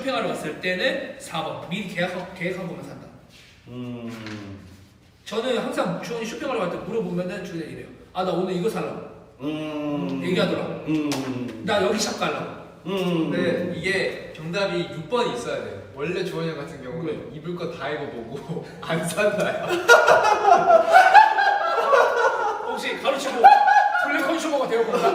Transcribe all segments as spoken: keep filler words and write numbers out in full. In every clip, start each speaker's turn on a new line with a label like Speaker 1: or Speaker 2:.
Speaker 1: 쇼핑하러 갔을 때는 사 번 미리 계획하고, 계획하고만 산다.
Speaker 2: 음.
Speaker 1: 저는 항상 주원이 쇼핑하러 갈 때 물어보면은 주원이 이래요. 아 나 오늘 이거 살라고.
Speaker 2: 음.
Speaker 1: 얘기하더라고.
Speaker 2: 음.
Speaker 1: 나 여기 샵 가려고.
Speaker 2: 음.
Speaker 3: 근데 이게 정답이 육 번이 있어야 돼. 원래 주원이 형 같은 경우는
Speaker 1: 왜?
Speaker 3: 입을 거 다 입어보고 안 산다요.
Speaker 1: 혹시 가르치고 블랙 컨슈머가 되어본다?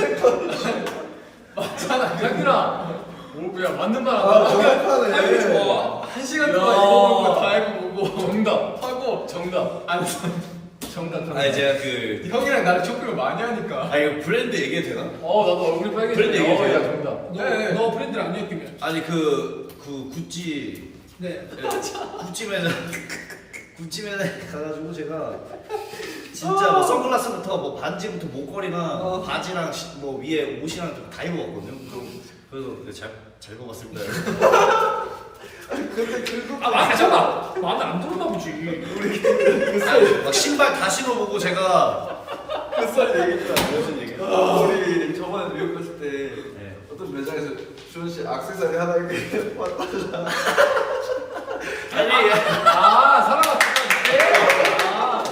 Speaker 3: 맞잖아, 장균아. 뭐야, 맞는 말
Speaker 4: 아,
Speaker 3: 안
Speaker 4: 정확하네.
Speaker 3: 하고 좋아. 한 시간 동안
Speaker 2: 야.
Speaker 3: 입어본 거 다 입어보고
Speaker 1: 정답.
Speaker 3: 하고
Speaker 1: 정답.
Speaker 3: 안 산.
Speaker 1: 정답. 정답.
Speaker 2: 아니 제가 그
Speaker 3: 형이랑 나랑 쇼핑을 많이 하니까.
Speaker 2: 아 이거 브랜드 얘기해도 되나?
Speaker 3: 어, 나도 얼굴이 빨개지네.
Speaker 2: 브랜드 얘기해줘요.
Speaker 3: 어, 야, 정답.
Speaker 1: 너,
Speaker 3: 네.
Speaker 1: 너 브랜드를 안 엮이면.
Speaker 2: 아니 그 그 구찌
Speaker 1: 네.
Speaker 2: 구찌 매장 구찌 매장 가가지고 제가 진짜 뭐 선글라스부터 뭐 반지부터 목걸이랑
Speaker 4: 어.
Speaker 2: 바지랑 시- 뭐 위에 옷이랑 좀 다 입어봤거든요. 그래서 잘잘 입어봤습니다.
Speaker 4: 근데 그거
Speaker 1: 아 맞잖아. 마음에 안 들었나 보지.
Speaker 2: 아니, 막 신발 다 신어보고 제가
Speaker 4: 햇살 얘기도 안
Speaker 2: 무슨 얘기?
Speaker 4: 우리 저번에 미국 갔을 때
Speaker 2: 네.
Speaker 4: 어떤 매장에서 주원 씨 액세서리 하나 이렇게 왔다잖아.
Speaker 2: 아니
Speaker 3: 아, 사랑아, 아.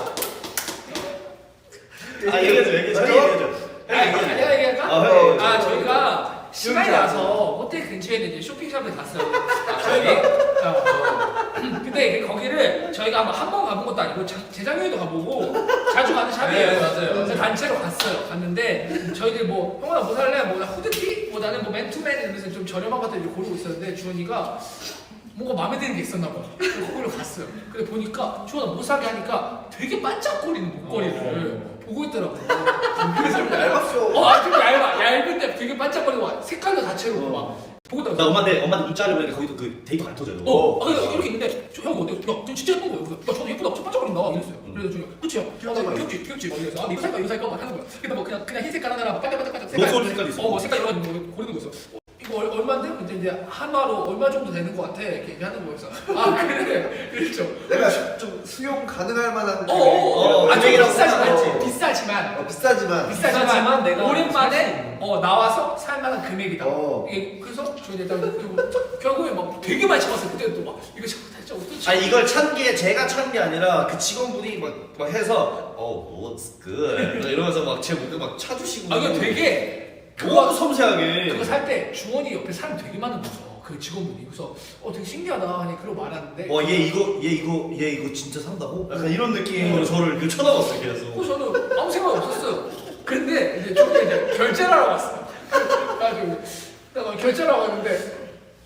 Speaker 2: 아 얘기해줘 얘기해줘 얘기해줘.
Speaker 1: 아, 내가 얘기할까?
Speaker 2: 아, 형, 형.
Speaker 1: 아 저희가 시간이 나서 호텔 근처에 있는 이제 쇼핑샵에 갔어요. 아, 저희가 어, 근데 거기를 저희가 아마 한 번 가본 것도 아니고 자- 재작년에도 가보고 자주 가는 샵이에요.
Speaker 3: 네, 맞아요.
Speaker 1: 그래서 단체로 갔어요. 갔는데 저희들 뭐 형아 뭐 살래? 뭐 나 후드티? 뭐 나는 뭐 맨투맨 이러면서 좀 저렴한 것들 이렇게 고르고 있었는데 주원이가 뭔가 마음에 드는 게 있었나 봐. 그래서 거기로 갔어요. 근데 보니까 주원아 못 사게 하니까 되게 반짝거리는 목걸이를 보고 있더라고.
Speaker 4: 그래서 좀 얇았어.
Speaker 1: 어, 아, 좀 얇아. 얇은데 되게 반짝거리고 막 색깔도 다채롭고 막 보고 있다가
Speaker 2: 나 엄마한테 엄마한테 문자 하려고 거기도 그 데이터가 안 터져요.
Speaker 1: 어, 아, 근데 이렇게 있는데 저, 형 어때? 야, 저 진짜 예쁜 거예요. 그래서 야, 저도 예쁘다. 저 반짝거린다. 이랬어요. 그래서 저 그치 형? 어, 나 귀엽지, 귀엽지. 막 이래서 아, 나 이거 살까, 이거 살까 막 하는 거야. 근데 뭐 그냥 그냥 흰 색깔 하나랑 막 반짝반짝반짝 색깔.
Speaker 2: 로고 색깔 있어.
Speaker 1: 어, 뭐 색깔 여러 가지 뭐 고르는 거 있어. 어, 이거 얼, 얼마인데? 근데 이제 한화로 얼마 정도 되는 거 같아. 이렇게 얘기하는 거였어. 아, 그래. 그랬죠.
Speaker 4: 내가 좀 수용 가능할 만한
Speaker 1: 어, 어, 어.
Speaker 2: 어,
Speaker 1: 아, 좀
Speaker 2: 가격이라고
Speaker 1: 비싸지만,
Speaker 4: 생각하고.
Speaker 1: 비싸지만.
Speaker 4: 어, 비싸지만
Speaker 1: 비싸지만,
Speaker 3: 비싸지만 내가
Speaker 1: 오랜만에 어, 나와서 살 만한 금액이다.
Speaker 4: 어.
Speaker 1: 이게 그래서 저희 일단 그- 결국에 막 되게 많이 참았어요. 그때 또 막 이거 진짜 어떻게?
Speaker 2: 아 이걸 찬 게 제가 찬 게 아니라 그 직원분이 막, 막 해서 어 looks good 이러면서 막 제 목에 막 차주시고.
Speaker 1: 아 이거 되게
Speaker 2: 너무 섬세하게.
Speaker 1: 그거 살 때 주원이 옆에 사람 되게 많은 거죠. 그 직원분이 그래서 어 되게 신기하다 하니 그러고 말하는데.
Speaker 2: 와얘 이거 얘 이거 얘 이거 진짜 산다고? 약간 이런 느낌으로 저를 그 쳐다봤어요 계속.
Speaker 1: 어 저는 아무 생각 없었어요. 근데 이제 저기 이제 결제를 하러 왔어요. 그래가지고 내가 결제를 하러 왔는데.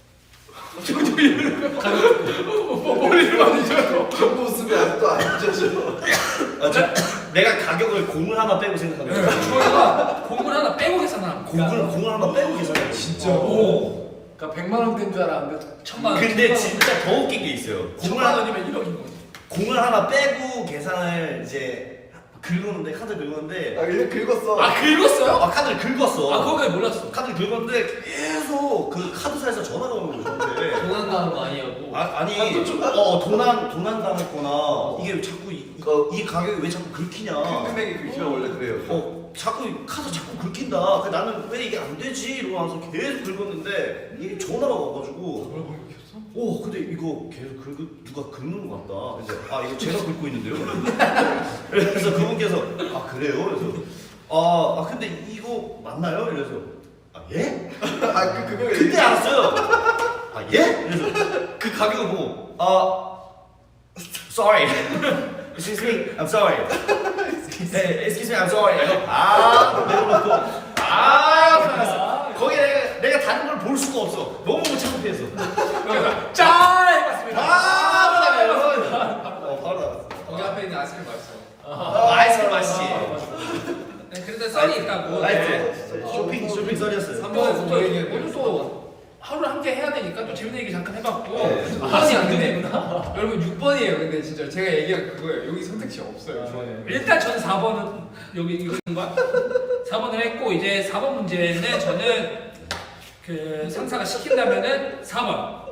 Speaker 1: 저기 이러는 거 뭐, 머리를 만지셔서
Speaker 4: 그 모습이 아직도 안 잊혀져.
Speaker 2: 아, 저, 내가 가격을 공을 하나 빼고 생각하는 거야.
Speaker 1: 저희가 공을 하나 빼고 계산합니다.
Speaker 2: 공을 공을 하나 빼고 계산해.
Speaker 3: 진짜.
Speaker 1: 오.
Speaker 3: 그러니까 백만 원대인 줄 알았는데
Speaker 1: 천만 원.
Speaker 2: 근데 진짜 더 웃긴 게 있어요. 공을
Speaker 1: 천만
Speaker 2: 하나
Speaker 1: 원이면 일억인 거지.
Speaker 2: 공을 하나 빼고 계산을 이제 긁었는데 카드 긁었는데
Speaker 4: 아 그냥 긁었어.
Speaker 1: 아 긁었어요?
Speaker 2: 아 카드를 긁었어.
Speaker 1: 아 그거까지 몰랐어.
Speaker 2: 카드를 긁었는데 계속 그 카드사에서 전화가 오는 거예요. 저한테.
Speaker 3: 도난당한 거 아니냐고.
Speaker 2: 아, 아니
Speaker 4: 아, 좀-
Speaker 2: 어 도난 도난 당했거나 이게 왜 자꾸 이, 이, 이 가격이 왜 자꾸 긁히냐.
Speaker 4: 큰 금액이 긁히면 원래 그래요.
Speaker 2: 어 자꾸 이 카드 자꾸 긁힌다. 그 나는 왜 이게 안 되지 이러고 나서 계속 긁었는데 이게 전화가 와가지고.
Speaker 3: 뭘 공격했어?
Speaker 2: 오 근데 이거 계속 긁 누가 긁는 것 같다. 이제 아 이거 제가 긁고 있는데요. 그래서 그분께서 아 그래요? 그래서 아, 아 근데 이거 맞나요? 이래서 아 예?
Speaker 4: 아그 금액을
Speaker 2: 그때 알았어요. 아 예? 그래서 그 가격을 보고 아 sorry. Excuse me, I'm sorry. 네, excuse me, I'm sorry. 아 내려놓고 아 편했어. 거기 내가 내가 다른 걸 볼 수가 없어. 너무 창피해서.
Speaker 1: 짠 해봤습니다.
Speaker 2: 아 바로 나가요. 어 바로 나갔어.
Speaker 3: 거기 앞에 있는 아이스크림 맛있어.
Speaker 2: 아, 아이스크림 맛있지.
Speaker 1: 네, 그런데 썰이 있다고.
Speaker 2: 라이트.
Speaker 1: 네.
Speaker 2: 쇼핑 쇼핑 썰이었어요.
Speaker 3: 삼 번에서
Speaker 1: 또
Speaker 3: 뭐 얘기했는데.
Speaker 1: 오늘 또 하루를 함께 해야 되니까 또 재밌는 얘기 잠깐 해봤고.
Speaker 4: 네.
Speaker 3: 아니 안 되는구나. 여러분 육 번이에요. 근데 진짜 제가 얘기한 그거예요. 여기 선택지 없어요. 저는.
Speaker 1: 일단 저는 사 번은 여기 이거 거야. 사 번을 했고 이제 사 번 문제는 저는 그 상사가 시킨다면은 사 번